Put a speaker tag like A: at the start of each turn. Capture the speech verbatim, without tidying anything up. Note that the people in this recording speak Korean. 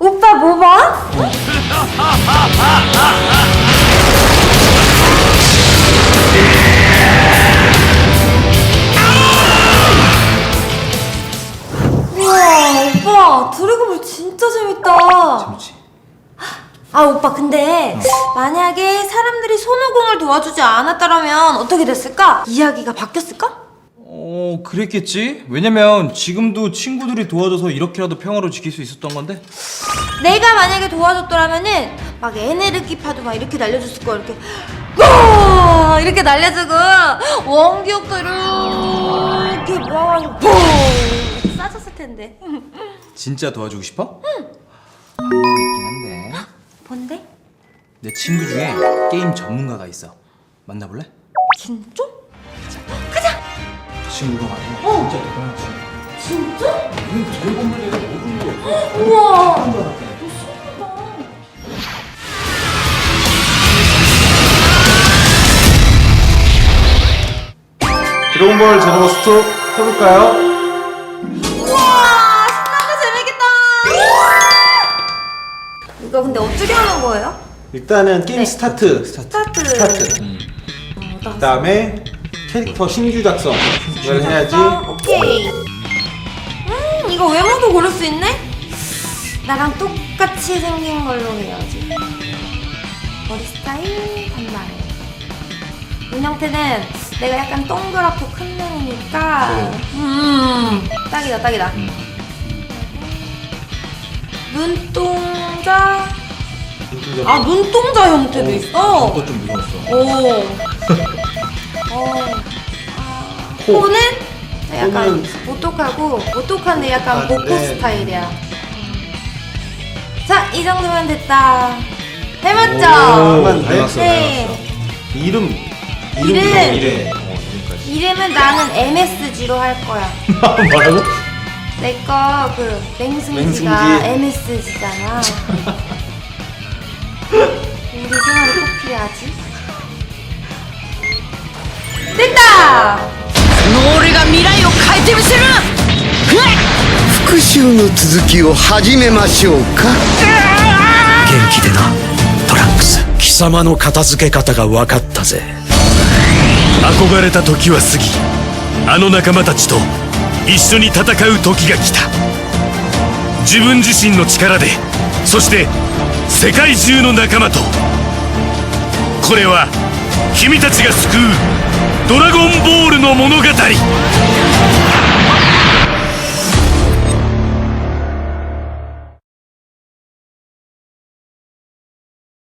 A: 오빠 뭐 봐? 우와 오빠 드래곤볼 진짜 재밌다.
B: 재밌지?
A: 아 오빠 근데 어. 만약에 사람들이 손오공을 도와주지 않았다면 어떻게 됐을까? 이야기가 바뀌었을까?
B: 어 그랬겠지? 왜냐면 지금도 친구들이 도와줘서 이렇게라도 평화로 지킬 수 있었던 건데.
A: 내가 만약에 도와줬더라면은 막 에네르기 파도 막 이렇게 날려줬을 거야. 이렇게 와 이렇게 날려주고 원기옥도 이렇게 모아가지고 퐁 싸졌을 텐데.
B: 진짜 도와주고 싶어? 응. 방법이 있긴 한데.
A: 뭔데?
B: 내 친구 중에 게임 전문가가 있어. 만나볼래?
A: 진짜? 가자.
B: 그 친구가 말이야.
A: 어.
B: 진짜 대단한 친구.
A: 진짜?
B: 응, 드래곤볼에가 모르는 거 없어.
A: 우와.
B: 한 줄 알았대.
C: 드래곤볼 제너버스 투 해볼까요?
A: 우와 신난다 재밌겠다. 이거 근데 어떻게 하는 거예요?
C: 일단은 게임
A: 네.
C: 스타트
A: 스타트.
C: 스타트
B: 음.
C: 그 다음에 캐릭터 신규 작성 이걸 해야지.
A: 오케이. 음 이거 외모도 고를 수 있네? 나랑 똑같이 생긴 걸로 해야지. 머리 스타일 단발. 눈 형태는 내가 약간 동그랗고 큰 눈이니까
C: 네.
A: 음 딱이다 딱이다.
B: 음.
A: 눈동자. 아 눈동자 형태도 있어.
B: 그거 좀 무서웠어.
A: 오. 어. 아,
C: 코.
A: 코는 약간
C: 코는-
A: 오똑하고 오똑한데 약간
C: 아,
A: 모코
C: 네.
A: 스타일이야. 자, 이 정도면 됐다. 해봤죠?
C: 오,
B: 닮았어, 닮았어.
A: 네.
C: 이름
A: 이름.
C: 이름
B: 이래. 어, 이름까지.
A: 이름은 나는 엠에스지로 할 거야.
C: 뭐라고?
A: 내 거 그 맹승지가
C: 맹승지.
A: 엠에스지잖아. 우리 생활에 꼭 필요하지. 됐다!
D: 俺が未来を変えてみせる。
E: 復讐の続きを始めましょうか。元気でなトランクス。貴様の片付け方が分かったぜ。
F: 憧れた時は過ぎ、あの仲間たちと一緒に戦う時が来た。自分自身の力で、そして世界中の仲間と。これは君たちが救うドラゴンボールの物語。